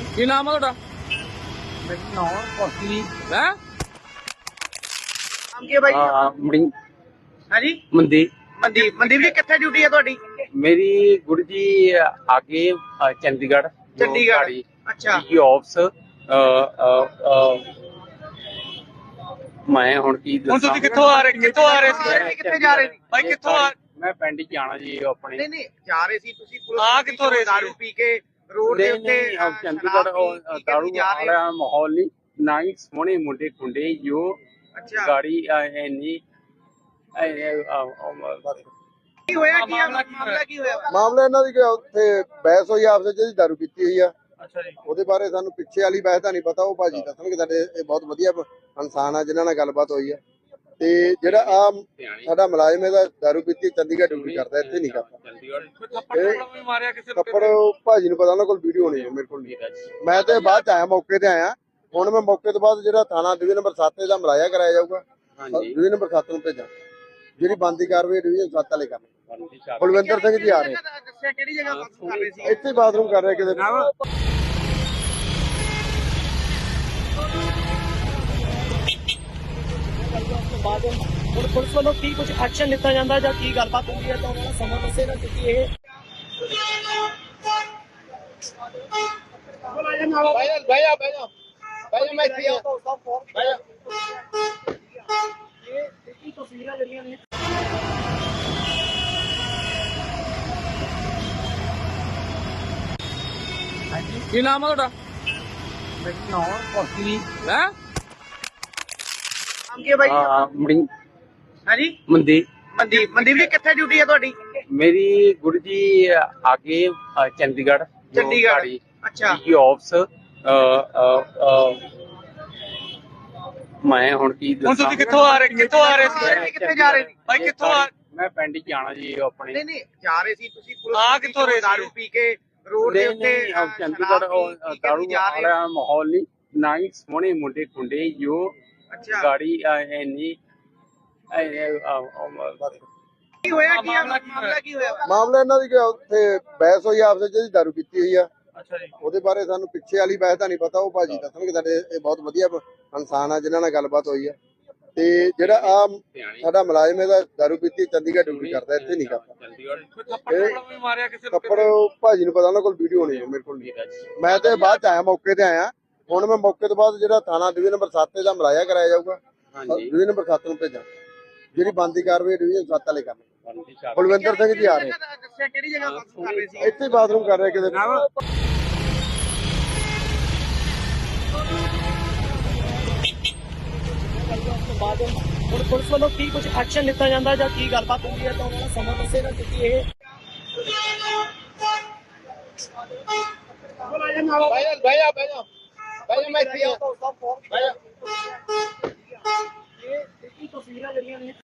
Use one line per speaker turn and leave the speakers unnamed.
ਕੀ ਨਾਮ ਆ ਤੁਹਾਡਾ?
ਮੇਰਾ ਨਾਮ ਕੋਸਲੀ
ਹੈ
ਨਾਮ ਕੀ ਹੈ ਬਾਈ?
ਮੜੀ
ਹਾਂਜੀ
ਮੰਦੀ
ਮਨਦੀਪ ਜੀ ਕਿੱਥੇ ਡਿਊਟੀ ਹੈ ਤੁਹਾਡੀ?
ਮੇਰੀ ਗੁਰੂ ਜੀ ਆਗੇ ਚੰਡੀਗੜ੍ਹ
ਚੰਡੀਗੜ੍ਹ। ਅੱਛਾ
ਆਫਸ ਮੈਂ ਹੁਣ ਕੀ
ਹੁਣ ਤੁਸੀਂ ਕਿੱਥੋਂ ਆ ਰਹੇ ਸੀ ਕਿੱਥੇ ਜਾ ਰਹੇ ਸੀ ਬਾਈ? ਕਿੱਥੋਂ ਆ?
ਮੈਂ ਪਿੰਡ ਚ ਆਣਾ ਜੀ ਆਪਣੇ
ਨਹੀਂ ਜਾ ਰਹੇ ਸੀ ਤੁਸੀਂ ਪੁਲਿਸ
ਆ ਕਿੱਥੋਂ ਰਹੇ ਸੀ?
ਦਾਰੂ ਪੀ ਕੇ ਰੋਡ ਦੇ ਉੱਤੇ
ਚੰਡੀਗੜ੍ਹ ਦਾਰੂ ਵਾਲਾ ਮਾਹੌਲ ਨਹੀਂ ਨਾ ਹੀ ਸੋਹਣੇ ਮੁੰਡੇ ਕੁੰਡੇ ਜੋ
ਅੱਛਾ
ਗਾੜੀ ਇੰਨੀ
ਕੀ ਹੋਇਆ? ਕੀ ਮਾਮਲਾ ਕੀ ਹੋਇਆ?
ਮਾਮਲਾ ਇਹਨਾਂ ਦੀ ਕਿ ਉੱਥੇ ਬਹਿਸ ਹੋਈ ਆਪਸ ਵਿੱਚ, ਜਿਹਦੀ ਦਾਰੂ ਪੀਤੀ ਹੋਈ ਆ।
ਅੱਛਾ ਜੀ।
ਉਹਦੇ ਬਾਰੇ ਸਾਨੂੰ ਪਿੱਛੇ ਵਾਲੀ ਬਹਿਸ ਦਾ ਨਹੀਂ ਪਤਾ, ਉਹ ਭਾਜੀ ਦੱਸਣਗੇ। ਸਾਡੇ ਇਹ ਬਹੁਤ ਵਧੀਆ ਇਨਸਾਨ ਆ ਜਿਨ੍ਹਾਂ ਨਾਲ ਗੱਲਬਾਤ ਹੋਈ ਆ। ਤੇ ਜਿਹੜਾ ਆ ਸਾਡਾ ਮੁਲਾਜ਼ਮ ਇਹਦਾ ਦਾਰੂ ਪੀਤੀ ਚੰਡੀਗੜ੍ਹ ਡਿਊਟੀ ਕਰਦਾ, ਇੱਥੇ ਨਹੀਂ ਕਰਦਾ।
ਵੀ ਮਾਰਿਆ ਕਿਸੇ
ਕੱਪੜ ਭਾਜੀ ਨੂੰ ਪਤਾ, ਉਹਨਾਂ ਕੋਲ ਵੀਡੀਓ ਨਹੀਂ ਹੈ, ਮੇਰੇ ਕੋਲ ਨਹੀਂ। ਮੈਂ ਤੇ ਬਾਅਦ ਚ ਆਇਆ, ਮੌਕੇ ਤੇ ਆਇਆ। ਹੁਣ ਮੈਂ ਮੌਕੇ ਤੋਂ ਬਾਅਦ ਜਿਹੜਾ ਥਾਣਾ ਡਿਵੀਜ਼ਨ ਨੰਬਰ 7 ਦਾ ਮੁਲਾਜ਼ਾ ਕਰਾਇਆ ਜਾਊਗਾ, ਡਿਵੀਜ਼ਨ ਨੰਬਰ 7 ਨੂੰ ਭੇਜਾਂ। ਜਿਹੜੀ ਬੰਦੀ ਕਾਰਵਾਈ ਡਿਵੀਜ਼ਨ 7 ਵਾਲੇ ਕਰਨ। ਬਲਵਿੰਦਰ ਸਿੰਘ ਜੀ ਆ ਰਹੇ,
ਦੱਸਿਆ ਕਿਹੜੀ ਜਗ੍ਹਾ ਬਾਥਰੂਮ ਕਰ ਰਹੇ ਸੀ?
ਇੱਥੇ ਬਾਥਰੂਮ ਕਰ ਰਹੇ ਕਿਤੇ।
ਹੁਣ ਪੁਲਿਸ ਵੱਲੋਂ ਕੀ ਕੁਝ ਐਕਸ਼ਨ ਲਿੱਤਾ ਜਾਂਦਾ ਜਾਂ ਕੀ ਗੱਲਬਾਤ ਹੁੰਦੀ ਹੈ ਤਾਂ ਉਹਨਾਂ ਦਾ ਸਮਾਂ ਦੱਸੇਗਾ, ਕਿਉਂਕਿ ਇਹ
ਮੈਂ ਇੱਥੇ ਆ।
ਇਹ ਤਸਵੀਰਾਂ ਜਿਹੜੀਆਂ ਨੇ
ਕੀ ਨਾਮ ਆ ਤੁਹਾਡਾ?
ਮੇਰਾ ਨਾਮ ਕੋਸਲੀ
ਹੈ
ਨਾਮ ਕੀ ਹੈ ਬਾਈ?
ਮੜੀ
ਹਾਂਜੀ
ਮੰਦੀ
ਮਨਦੀਪ ਜੀ ਕਿੱਥੇ ਡਿਊਟੀ ਹੈ ਤੁਹਾਡੀ?
ਮੇਰੀ ਗੁਰੂ ਜੀ ਆਗੇ ਚੰਡੀਗੜ੍ਹ
ਅੱਛਾ
ਆਫਸ ਮੈਂ ਹੁਣ ਕੀ
ਹੁਣ ਤੁਸੀਂ ਕਿੱਥੋਂ ਆ ਰਹੇ ਸੀ?
ਕਿੱਥੇ ਜਾ ਰਹੇ ਸੀ
ਬਾਈ ਕਿੱਥੋਂ ਆ?
ਮੈਂ ਪਿੰਡ ਚ ਆਣਾ ਜੀ ਆਪਣੇ।
ਨਹੀਂ ਜਾ ਰਹੇ ਸੀ ਤੁਸੀਂ ਪੁਲਿਸ
ਆ ਕਿੱਥੋਂ ਰਹੇ ਸੀ?
ਦਾਰੂ ਪੀ ਕੇ ਰੋਡ ਦੇ ਉੱਤੇ
ਚੰਡੀਗੜ੍ਹ ਦਾਰੂ ਵਾਲਾ ਮਾਹੌਲ ਨਹੀਂ ਨਾ ਹੀ ਸੋਹਣੇ ਮੁੰਡੇ ਕੁੰਡੇ ਜੋ
ਅੱਛਾ
ਗਾੜੀ ਇੰਨੀ
ਕੀ ਹੋਇਆ? ਕੀ ਮਾਮਲਾ ਕੀ ਹੋਇਆ?
ਮਾਮਲਾ ਇਹਨਾਂ ਦੀ ਕਿ ਉੱਥੇ ਬਹਿਸ ਹੋਈ ਆਪਸ ਵਿੱਚ, ਜਿਹਦੀ ਦਾਰੂ ਪੀਤੀ ਹੋਈ ਆ।
ਅੱਛਾ ਜੀ।
ਉਹਦੇ ਬਾਰੇ ਸਾਨੂੰ ਪਿੱਛੇ ਵਾਲੀ ਬਹਿਸ ਦਾ ਨਹੀਂ ਪਤਾ, ਉਹ ਭਾਜੀ ਦੱਸਣਗੇ। ਸਾਡੇ ਇਹ ਬਹੁਤ ਵਧੀਆ ਇਨਸਾਨ ਆ ਜਿਨ੍ਹਾਂ ਨਾਲ ਗੱਲਬਾਤ ਹੋਈ ਆ। ਤੇ ਜਿਹੜਾ ਆ ਸਾਡਾ ਮੁਲਾਜ਼ਮ ਇਹਦਾ ਦਾਰੂ ਪੀਤੀ ਚੰਡੀਗੜ੍ਹ ਡਿਊਟੀ ਕਰਦਾ, ਇੱਥੇ ਨਹੀਂ ਕਰਦਾ।
ਵੀ ਮਾਰਿਆ ਕਿਸੇ
ਕੱਪੜ ਭਾਜੀ ਨੂੰ ਪਤਾ, ਉਹਨਾਂ ਕੋਲ ਵੀਡੀਓ ਨਹੀਂ ਹੈ, ਮੇਰੇ ਕੋਲ ਨਹੀਂ। ਮੈਂ ਤੇ ਬਾਅਦ ਚ ਆਇਆ, ਮੌਕੇ ਤੇ ਆਇਆ। ਹੁਣ ਮੈਂ ਮੌਕੇ ਤੋਂ ਬਾਅਦ ਜਿਹੜਾ ਥਾਣਾ ਡਿਵੀਜ਼ਨ ਨੰਬਰ 7 ਦਾ ਮੁਲਾਜ਼ਾ ਕਰਾਇਆ ਜਾਊਗਾ, ਡਿਵੀਜ਼ਨ ਨੰਬਰ 7 ਨੂੰ ਭੇਜਾਂ। ਜਿਹੜੀ ਬੰਦੀ ਕਾਰਵਾਈ ਡਿਵੀਜ਼ਨ 7 ਵਾਲੇ ਕਰਨ। ਬਲਵਿੰਦਰ ਸਿੰਘ ਜੀ ਆ ਰਹੇ,
ਦੱਸਿਆ ਕਿਹੜੀ ਜਗ੍ਹਾ ਬਾਥਰੂਮ ਕਰ ਰਹੇ ਸੀ?
ਇੱਥੇ ਬਾਥਰੂਮ ਕਰ ਰਹੇ ਕਿਤੇ।
ਹੁਣ ਪੁਲਿਸ ਵੱਲੋਂ ਕੀ ਕੁਝ ਐਕਸ਼ਨ ਲਿੱਤਾ ਜਾਂਦਾ ਜਾਂ ਕੀ ਗੱਲਬਾਤ ਹੁੰਦੀ ਹੈ ਤਾਂ ਉਹਨਾਂ ਦਾ ਸਮਾਂ ਦੱਸੇਗਾ, ਕਿਉਂਕਿ ਇਹ
ਮੈਂ ਇੱਥੇ ਆ।
ਇਹ ਤਸਵੀਰਾਂ ਜਿਹੜੀਆਂ ਨੇ